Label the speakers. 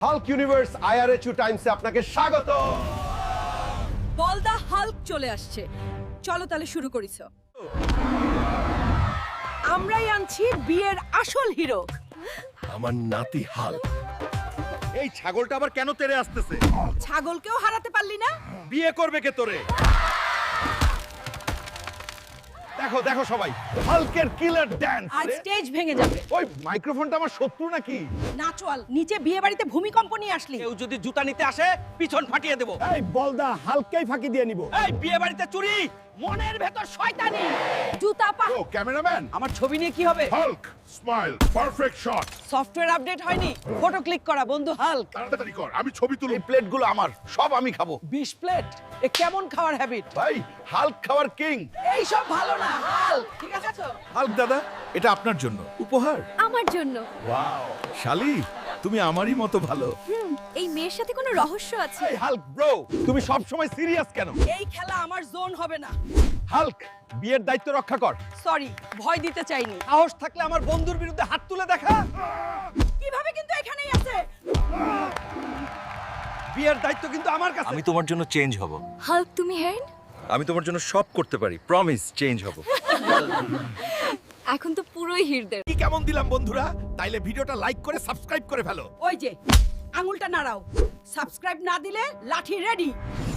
Speaker 1: Hulk universe আইআরএচইউ টাইমসে আপনাকে স্বাগত।
Speaker 2: বলদা হাল্ক চলে আসছে, চলো তাহলে শুরু করিস। আমরাই আনছি বিয়ের আসল হিরো।
Speaker 1: আমার নাতি হাল্ক।
Speaker 3: এই ছাগলটা আবার কেন তেড়ে আসতেছে?
Speaker 2: ছাগলকেও হারাতে পারলি না?
Speaker 3: বিয়ে করবে কে তোরে?
Speaker 1: দেখো দেখো সবাই, হাল্কের কিলার ড্যান্স।
Speaker 2: আর স্টেজ ভেঙে যাবে।
Speaker 1: ওই মাইক্রোফোনটা আমার শত্রু নাকি?
Speaker 2: নাচওয়াল, নিচে বিয়ে বাড়িতে ভূমিকম্প নিয়ে আসলি।
Speaker 3: কেউ যদি জুতা নিতে আসে পিছন ফাটিয়ে দেব।
Speaker 1: এই বলদা হাল্ককেই ফাঁকি দিয়ে নিব।
Speaker 3: এই বিয়ে বাড়িতে চুরি, মনের ভেতর শয়তানি।
Speaker 2: জুতা পা।
Speaker 1: ও ক্যামেরাম্যান,
Speaker 2: আমার ছবি নিয়ে কি হবে?
Speaker 1: Hulk smile perfect shot.
Speaker 2: Software update হয়নি, ফটো ক্লিক করা বন্ধু হাল্ক।
Speaker 1: তাড়াতাড়ি কর, আমি ছবি তুলি। এই প্লেটগুলো আমার, সব আমি খাবো।
Speaker 2: 20 প্লেট, এ কেমন খাওয়ার হ্যাবিট?
Speaker 1: ভাই হাল্ক খাওয়ার কিং।
Speaker 2: এই সব ভালো না হাল্ক, ঠিক আছে তো?
Speaker 3: হাল্ক দাদা, এটা আপনার জন্য উপহার।
Speaker 4: আমার জন্য।
Speaker 1: ওয়াও,
Speaker 3: শালি, তুমি আমারই মতো ভালো।
Speaker 4: এই মেয়ের সাথে কোনো রহস্য আছে?
Speaker 1: এই হাল্ক ব্রো, তুমি সব সময় সিরিয়াস কেন?
Speaker 2: এই খেলা আমার জোন হবে না।
Speaker 1: হাল্ক বিয়ের দায়িত্ব রক্ষা কর।
Speaker 2: সরি, ভয় দিতে চাইনি।
Speaker 3: সাহস থাকলে আমার বন্ধুর বিরুদ্ধে হাত তুলে দেখা।
Speaker 2: কিভাবে কিন্তু এখানেই আছে।
Speaker 3: বিয়ের দায়িত্ব কিন্তু আমার কাছে। আমি তোমার জন্য চেঞ্জ হব।
Speaker 4: হাল্ক তুমি হেরেন?
Speaker 3: আমি তোমার জন্য সব করতে পারি, প্রমিস চেঞ্জ হব।
Speaker 4: এখন তো পুরোই হিরদের।
Speaker 3: কি কেমন দিলাম বন্ধুরা? তাইলে ভিডিওটা লাইক করে সাবস্ক্রাইব করে ফেলো।
Speaker 2: ওই যে আঙুলটা নাড়াও, সাবস্ক্রাইব না দিলে লাঠি রেডি।